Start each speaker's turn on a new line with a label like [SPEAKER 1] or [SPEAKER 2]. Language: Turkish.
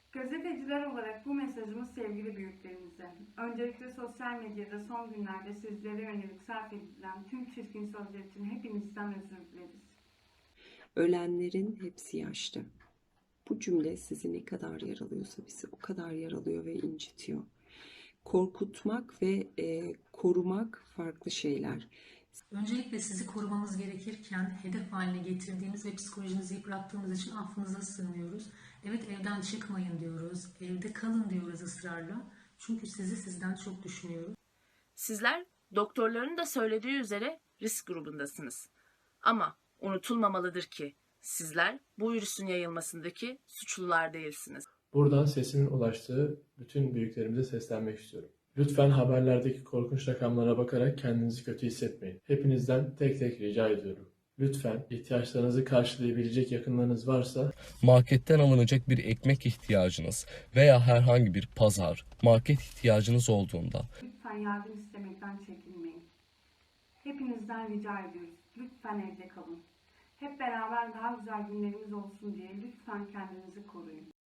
[SPEAKER 1] Gazeteciler olarak bu mesajımız sevgili büyüklerimize. Öncelikle sosyal medyada son günlerde sizlere yönelik sarf edilen tüm çirkin sözler için hepinizden özür dileriz.
[SPEAKER 2] Ölenlerin hepsi yaşlı. Bu cümle sizi ne kadar yaralıyorsa bizi o kadar yaralıyor ve incitiyor. Korkutmak ve korumak farklı şeyler.
[SPEAKER 3] Öncelikle sizi korumamız gerekirken hedef haline getirdiğimiz ve psikolojinizi yıprattığımız için affınıza sığınıyoruz. Evet, evden çıkmayın diyoruz, evde kalın diyoruz ısrarla. Çünkü sizi sizden çok düşünüyoruz.
[SPEAKER 4] Sizler doktorların da söylediği üzere risk grubundasınız. Ama unutulmamalıdır ki sizler bu virüsün yayılmasındaki suçlular değilsiniz.
[SPEAKER 5] Buradan sesimin ulaştığı bütün büyüklerimize seslenmek istiyorum. Lütfen haberlerdeki korkunç rakamlara bakarak kendinizi kötü hissetmeyin. Hepinizden tek tek rica ediyorum. Lütfen ihtiyaçlarınızı karşılayabilecek yakınlarınız varsa
[SPEAKER 6] marketten alınacak bir ekmek ihtiyacınız veya herhangi bir pazar, market ihtiyacınız olduğunda
[SPEAKER 1] Lütfen yardım istemekten çekinmeyin. Hepinizden rica ediyoruz. Lütfen evde kalın. Hep beraber daha güzel günlerimiz olsun diye lütfen kendinizi koruyun.